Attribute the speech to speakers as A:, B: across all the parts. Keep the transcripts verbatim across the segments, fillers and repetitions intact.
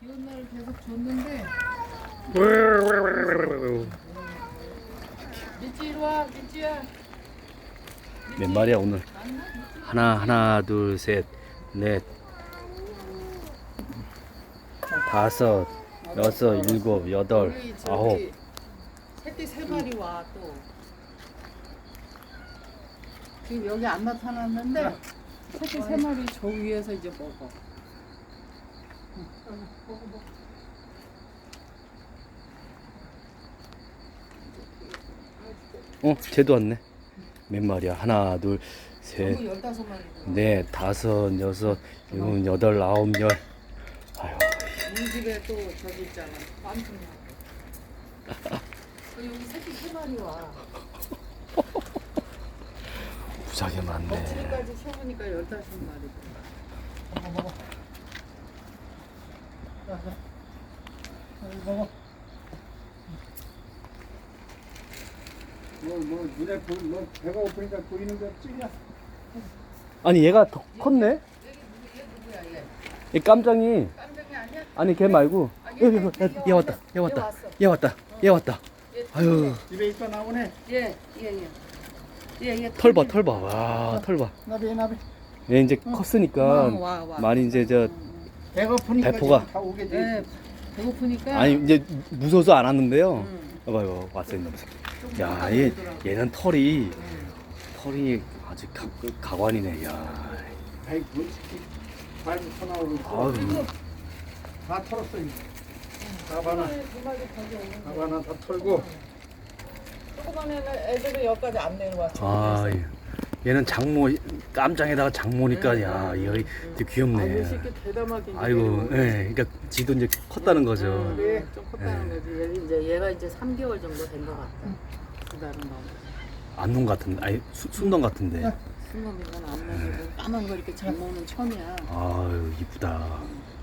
A: 비온 날 계속 줬는데. 미찌 이리 와, 미찌야.
B: 몇 마리야 오늘? 하나 하나 둘 셋 넷 다섯 여섯 일곱 여덟
A: 우리 저기
B: 아홉.
A: 새끼 세 마리 와 또. 지금 여기 안 나타났는데 새끼 세 마리 저 위에서 이제 먹어.
B: 어 쟤도 왔네. 몇 마리야? 하나 둘 셋
A: 전부 열다섯 마리.
B: 넷 다섯 여섯 일곱 여덟 아홉 열. 아유
A: 우리 집에 또 저기 있잖아. 깜짝이야. 여기 새끼 세 마리 와.
B: 무지하게 많네.
A: 껍질까지 세보니까 열다섯 마리.
C: 먹어 먹어. 자, 자. 여기 먹어. 뭐, 뭐, 눈에 보, 뭐, 배가 고프니까 보이는 게 없지냐?
B: 아니 얘가 더 컸네?
A: 얘 누구, 얘 누구야 얘?
B: 이 깜장이.
A: 깜짝이 아니야?
B: 아니 걔 말고.
A: 아,
B: 얘, 얘, 얘, 얘 왔다 얘 왔다
A: 왔어.
B: 얘 왔다 얘 왔다.
A: 얘
B: 아유
C: 집에 있다 나오네.
A: 얘, 얘, 얘. 얘, 얘
B: 털 봐 털 봐. 와 털 봐.
C: 나비, 나비.
B: 얘 이제 컸으니까
A: 와, 와, 와.
B: 많이 이제 저
C: 배가 고프니까
B: 배포가.
C: 지금 다 오게 돼.
A: 예, 배고프니까.
B: 아니 이제 무서워서 안 왔는데요.
A: 응.
B: 봐봐요 왔어요 이놈 새끼.
A: 좀
B: 야, 얘
A: 먹어보더라고.
B: 얘는 털이
A: 응.
B: 털이 아주 가, 가관이네. 야.
C: 아이, 뭐, 발부터 나오고 있어.
B: 아유.
C: 다 털었어, 이제. 밥 하나,
A: 두 마리 거기 오는
C: 밥
A: 거.
C: 하나 다 털고.
A: 조그만 애는 애들은 여기까지 안 내려와.
B: 아, 얘는 장모 깜장에다가 장모니까
A: 응,
B: 야,
A: 응,
B: 얘
A: 응.
B: 되게
A: 아,
B: 귀엽네.
A: 이 새끼 대담하게. 이제
B: 아이고,
A: 내려오고.
B: 예. 그러니까 지도 이제 컸다는 거죠.
A: 응,
C: 네.
A: 좀 컸다는
B: 네.
A: 거지. 얘 이제 얘가 이제 삼 개월 정도 된 것 같다. 두 달은 넘어.
B: 안놈 같은데. 아니, 수, 순놈 같은데.
A: 순놈인 건 안 먹이고 까만 거 이렇게 잘 먹는 처음이야.
B: 아유, 이쁘다.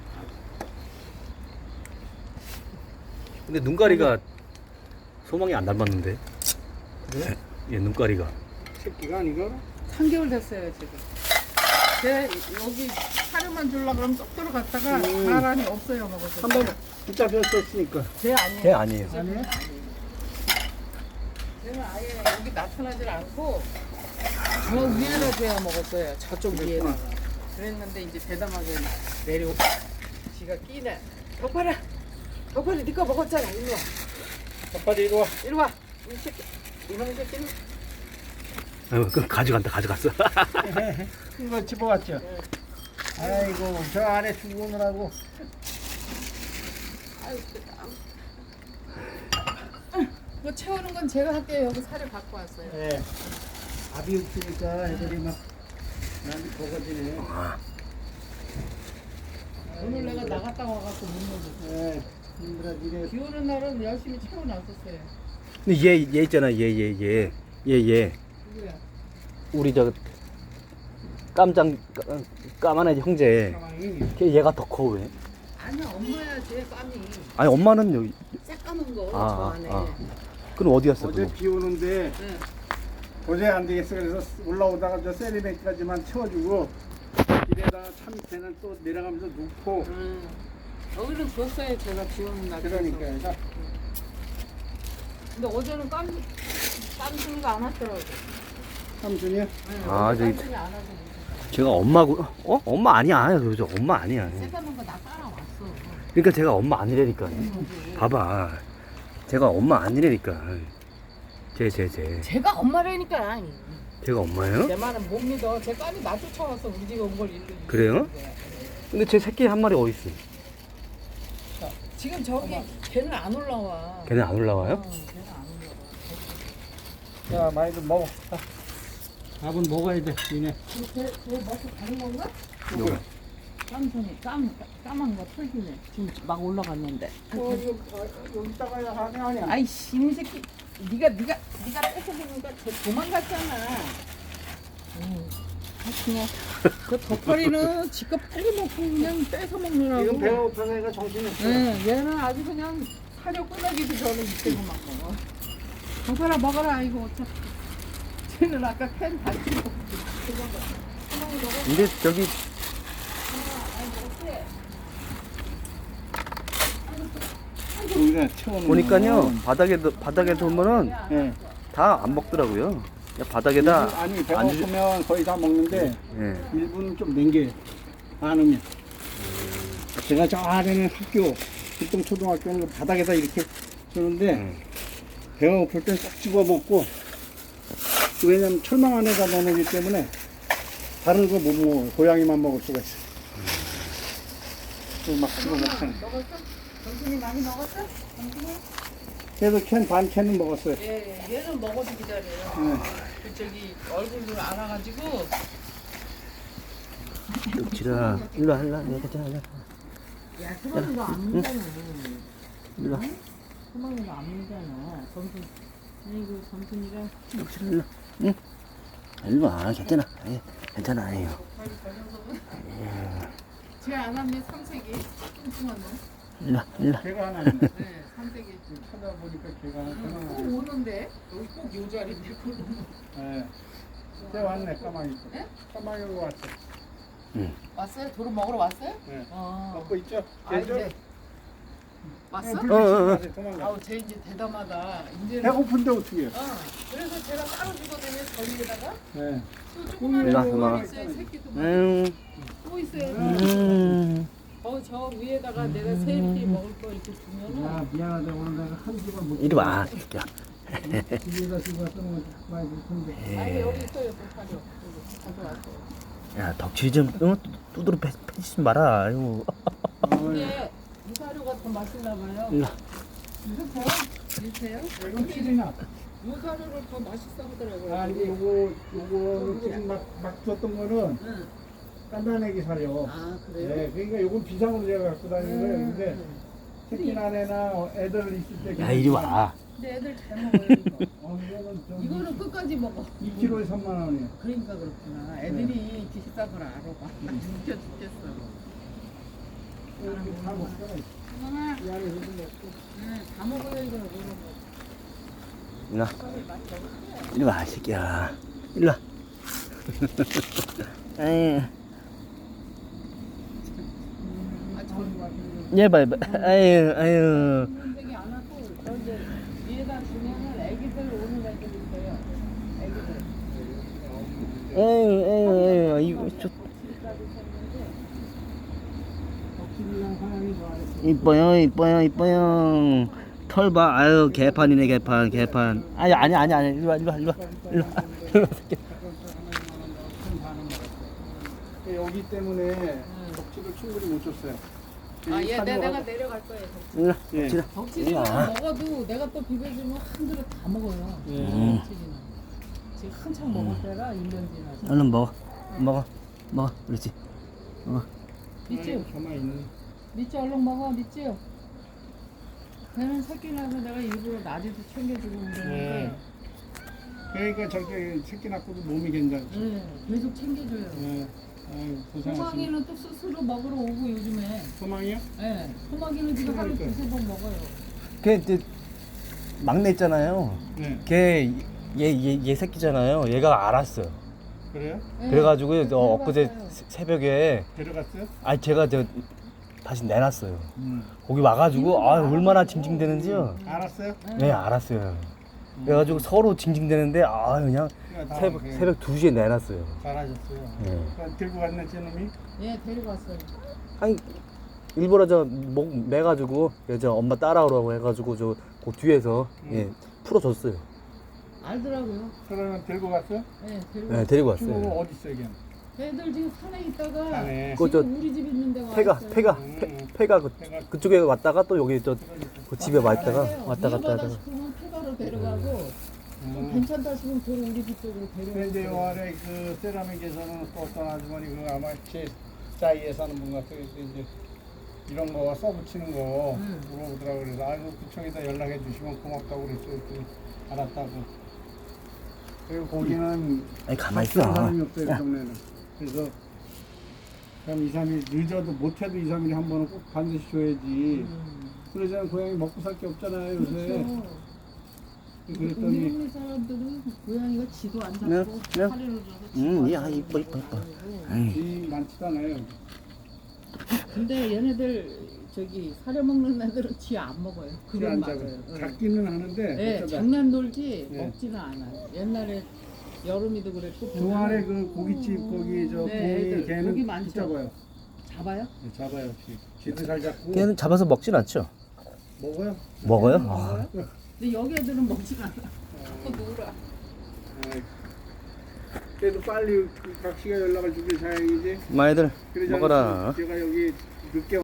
B: 근데 눈가리가 소망이 안 닮았는데.
C: 그래?
B: 얘 눈가리가.
C: 새끼가 아니가?
A: 삼 개월 됐어요 지금. 쟤 여기 사료만 주려고 그러면 쏙 들어갔다가
C: 음.
A: 사람이 없어요 먹어서.
C: 한 번 붙잡혔었으니까.
A: 쟤 아니에요.
B: 걔 아니에요.
C: 아니에요?
A: 쟤는 아예 여기 나타나질 않고 저 위에다 대야 먹었어요. 저쪽 위에다가. 그랬는데 이제 대담하게 내려오고 지가 끼네. 덕발아, 덕발이 네거 먹었잖아. 일로 와,
C: 아빠도 이리 와.
A: 이리 와. 이 새끼, 이놈 새끼는.
B: 아유, 그 가져간다, 가져갔어.
C: 큰 거 집어왔죠? 아이고, 저 안에 죽으느라고.
A: 아유, 뭐 채우는 건 제가 할게요. 여기 사료 갖고 왔어요.
C: 예. 밥이 없으니까 애들이 막, 난 버거지네.
A: 오늘 내가 나갔다 와갖고 못 먹었어.
C: 예. 힘들어, 이래.
A: 비 오는 날은 열심히 채워놨었어요.
B: 근데 얘, 얘 있잖아, 얘, 얘, 얘. 얘, 얘.
A: 누구야?
B: 우리 저 깜장 까- 까만 애 형제.
C: 가만히.
B: 걔 얘가 더 커 왜?
A: 아니야, 엄마야, 쟤 까미.
B: 아니 엄마는 여기.
A: 새까만 거,
B: 아,
A: 저 안에.
B: 아. 그럼 어디 갔어?
C: 어제
B: 그럼?
C: 비 오는데
A: 네.
C: 도저히 안 되겠어. 그래서 올라오다가 저 세리백까지만 채워주고 길에다가 차 밑에는 또 내려가면서 눕고
A: 음. 여기는 줬어요, 제가 비 오는 날.
C: 그러니까
A: 그래서.
C: 자,
A: 근데 어제는 깜, 깜순이가 안 왔더라고.
C: 삼순이야.
A: 네,
B: 아,
A: 어제
B: 저기-
A: 깜순이 안 와서 못 줬어요.
B: 제가 엄마고. 어? 엄마 아니야. 저 엄마 아니야.
A: 새까만 거 나 따라왔어.
B: 그러니까 제가 엄마 아니라니까. 봐봐. 제가 엄마 아니라니까. 제, 제, 제.
A: 제가 엄마라니까.
B: 제가 엄마예요?
A: 내 말은 못 믿어. 제 까미 나 쫓아와서 우리 집에 온 걸 일로.
B: 그래요? 근데 제 새끼 한 마리 어디 있어?
A: 지금 저기 걔는 안 올라와.
B: 걔네 안 올라와요?
A: 어, 걔는 안 올라와.
C: 자, 많이들 먹어. 자, 밥은 먹어야 돼. 니네.
A: 걔, 걔 먹고 가는 건가?
B: 누구?
A: 깜송이 깜 까만 거 털기네. 지금 막 올라갔는데.
C: 어, 여기, 어, 여기다가 하네 아니야.
A: 아이씨 이 새끼. 네가 네가 네가 뺏어보니까 저 도망갔잖아. 음. 아, 그냥 그 덕거리는 지껏 빨리 먹고 그냥 뺏어 먹느라고.
C: 지금 배가 고파서 얘가 정신이 없어.
A: 네, 얘는 아주 그냥 사료 끊어기도 전에 이때고 막 먹어. 덕거라 먹어라 이거 어차피. 쟤는 아까 캔 다 치고.
B: 근데 저기
C: 그래 채워놓으면.
B: 보니까요 바닥에 바닥에 두면은
C: 예.
B: 다 안 먹더라고요. 그냥 바닥에다
C: 일부- 아니
B: 안 주-
C: 배고프면 거의 다 먹는데
B: 예.
C: 일부는 좀 남겨요. 많으면. 제가 저 아래는 학교 길동 초등학교는 그 바닥에다 이렇게 주는데
B: 음.
C: 배가 고플 땐 쏙 집어 먹고 왜냐면 철망 안에다 넣어놓기 때문에 다른 거 못 먹어요. 고양이만 먹을 수가 있어. 그막 집어 먹잖아.
A: 먹었어? 정신이 많이 먹었어? 정신이?
C: 그래서 캔 반 캔은 먹었어요.
A: 예, 얘는 먹어도 기다려요.
C: 네.
A: 그 저기 얼굴을 알아가지고
B: 지라 일로 와 일로 와 여기 있잖아. 일로 와.
A: 야, 소망이가 안 물잖아.
B: 일로 와.
A: 소망이가 안 물잖아. 점순, 아이고 점순이가
B: 여기 일로 와. 응. 일로 와 괜찮아. 예, 괜찮아. 요
A: 쟤안 하면 삼색이 뚱뚱한 놈.
B: 일로 와 일로 와.
C: 걔가 하나 있네.
A: 네, 삼색이
C: 찾아보니까 걔가 하나
A: 꼭
C: 있네.
A: 오는데 여기 꼭 요 자리인데 그러면
C: 네. 걔 왔네 까마귀.
A: 네?
C: 까마귀 거 왔어.
A: 왔어요? 도로 먹으러 왔어요?
C: 네.
A: 어.
C: 먹고 있죠?
A: 아
C: 걔죠?
A: 이제 왔어?
C: 네,
B: 어, 어, 어.
C: 불빛이 도망가.
A: 아우 쟤 이제 대담하다. 이제는
C: 배고픈데 어떻게 해요?
A: 어, 그래서 제가 따로 주거든요. 저기에다가
C: 네.
A: 또 조그만
B: 일로 와,
A: 거
B: 도망가.
A: 있어요. 새끼도 많고
B: 음.
A: 또 있어요.
B: 음.
A: 어, 저 위에다가 내가 세입기 먹을 거 이렇게 두면은
C: 야 미안하다 오늘 내가 한 집을 못.
B: 이리 와 새끼야.
C: 집에다 집어 쓰는 거 많이 불편데.
A: 아니 여기 있어요. 또 사료. 여기 가져왔어요.
B: 야 덕질이 좀 어, 두드러 패 패지 마라. 아이고.
A: 이게 이 사료가 더 맛있나 봐요.
B: 일로 와.
A: 이거 드세요?
C: 이건 필이나.
A: 이 사료를 더 맛있어 하더라고요.
C: 아 이제 요거 요거 지금 막막 줬던 거는
A: 응.
C: 깐난애기 사료.
A: 아 그래요?
C: 네, 그러니까 요건 비상으로 제가 갖고 다니는 거예요. 근데
A: 음.
C: 새끼 난애나 애들 있을 때.
B: 야 이리 와.
A: 근데 애들 잘 먹어요 이거.
C: 어, 이거는 좀
A: 이거는 끝까지 먹어.
C: 이 킬로에 삼만 원이에요.
A: 그러니까 그렇구나. 애들이 비싼 걸 알아. 웃겨 죽겠어.
C: 이렇게 다 먹잖아.
A: 엄마,
C: 이 안에 이거 먹고.
A: 응, 다 먹어요 이거. 이거는 뭐.
B: 일로 와.
A: 빨리 많이 먹을게.
B: 이리 와 새끼야. 일로 와. 아이.
A: 아, 저
B: 얘봐 얘봐. 아유 아유.
A: 되게 안 하고 저 이제 위에다 주면은 애기들 오는 애들 있어요. 애기들.
B: 에이 에이 에이 이거 좋.
A: 덕질까지 쳤는데
C: 덕질이랑 사랑이 좋아했어.
B: 이뻐요 이뻐요 이뻐요. 털 봐. 아유 개판이네 개판 개판. 아니 아니 아니 아니 일로 와 일로 와 일로 와 일로 와 일로 와 새끼.
C: 여기 때문에 덕질을 충분히 못 줬어요.
A: 아,
C: 이
A: 얘
C: 사료가-
A: 내가 내려갈 거예요. 덕질.
B: 일로 와.
C: 예.
B: 지라.
A: 덕질이는
B: 일로 와.
A: 먹어도 내가 또 비벼주면 한 그릇 다 먹어요.
C: 예.
B: 음.
A: 덕질이는. 지금 한참 먹을 때라 일 년 지나서.
B: 얼른 먹어 먹어 먹어 그렇지. 먹어.
A: 믿지?
C: 가만히 있네.
A: 믿지 얼른 먹어. 믿지? 걔는 새끼 나서 내가 일부러 낮에도 챙겨주고 그러는데
C: 그러니까 저렇게 새끼 낳고도 몸이 괜찮죠.
A: 네, 계속 챙겨줘요.
C: 예. 아유, 고생하시네.
A: 소망이는 또 스스로 먹으러 오고 요즘에.
C: 소망이요?
A: 네, 소망이는 지금 하루
C: 그러니까요.
A: 두세 번 먹어요.
B: 걔 이제 막내 있잖아요.
C: 네.
B: 걔 얘 얘 얘 새끼잖아요. 얘가 알았어요.
C: 그래요?
A: 네,
B: 그래가지고
A: 그래서
B: 어, 엊그제
A: 데려갔어요.
B: 새- 새벽에
C: 데려갔어요?
B: 아니 제가 저 다시 내놨어요.
C: 음.
B: 거기 와가지고 아 얼마나 징징대는지요.
C: 알았어요?
B: 네 알았어요. 그래가지고 서로 징징대는데 아 그냥
C: 그러니까 다
B: 새벽
C: 그게
B: 새벽 두 시에 내놨어요.
C: 잘하셨어요.
B: 네.
C: 그러니까 들고 갔네, 저놈이?
A: 예, 데리고 왔어요.
B: 아니 일부러 저목 매가지고 얘 저 엄마 따라오라고 해가지고 저 그 뒤에서 예 풀어줬어요.
A: 알더라고요.
C: 그러면 들고 갔어요?
A: 네, 데리고
B: 네
A: 왔어요.
B: 데리고
C: 친구가
B: 왔어요.
C: 어디 있어요, 걔는?
A: 애들 지금 산에 있다가
C: 안에.
B: 그거 저
A: 지금 우리 집 있는 데가
B: 폐가
A: 왔어요.
B: 폐가
C: 음.
B: 폐, 폐가 그,
C: 폐가.
B: 그쪽에 왔다가 또 여기 저 그 집에 와 있다가
A: 그래요.
B: 왔다 갔다
A: 위험하다
B: 하다가
A: 싶으면 폐가로 데려가고 좀
C: 음.
A: 괜찮다 싶으면 그 우리 집 쪽으로
C: 근데 이제 요
A: 데려가고.
C: 아래 그 세라믹에서는 또 어떤 아주머니 그 아마 제 자이에 사는 분 같아요. 그래서 이제 이런 거 써붙이는 거
A: 음.
C: 물어보더라고 그래서 아이고 구청에다 연락해 주시면 고맙다고 그랬어요. 그랬더니 알았다고. 그리고 거기는
B: 아니 가만히
C: 바쁜
B: 있어.
C: 사람이 없어요, 그
B: 야.
C: 동네는. 그래서 그럼 이, 삼 일 늦어도 못해도 이, 삼 일에 한 번은 꼭 반드시 줘야지.
A: 음.
C: 그러자면 고양이 먹고 살 게 없잖아요, 요새.
A: 그렇죠. 우리
C: 그랬더니
A: 동네 사람들은 고양이가 지도 안
B: 네,
A: 잡고
B: 네.
A: 사료를 줘서 지도
B: 음,
A: 안
B: 야,
A: 잡고
B: 이뻐, 이뻐, 이뻐.
A: 그러고.
B: 아이,
C: 쥐 많지도 않아요.
A: 근데 얘네들 저기 사려 먹는 애들은 지 안 먹어요. 그건
C: 안
A: 맞아요.
C: 잡아요.
A: 응.
C: 잡기는 하는데
A: 네,
C: 어쩌다
A: 장난 놀지
C: 네.
A: 먹지는 않아요. 옛날에 여름이도 그랬고
C: 동아래 그 고깃집 거기 저
A: 네,
C: 봉이
A: 애들
C: 걔는
A: 고기 많죠.
C: 잡아요.
A: 잡아요?
C: 네, 잡아요. 쥐. 쥐도 잘 잡고
B: 걔는 잡아서 먹진 않죠?
C: 먹어요.
B: 먹어요? 아,
A: 먹어요? 근데 여기 애들은 먹지는 않아. 자꾸 놀아.
C: 아, 그래도 빨리 그 각 씨가 연락을 주길 다행이지.
B: 마애들
C: 그러지
B: 먹어라.
C: 않았으면 제가 여기 늦게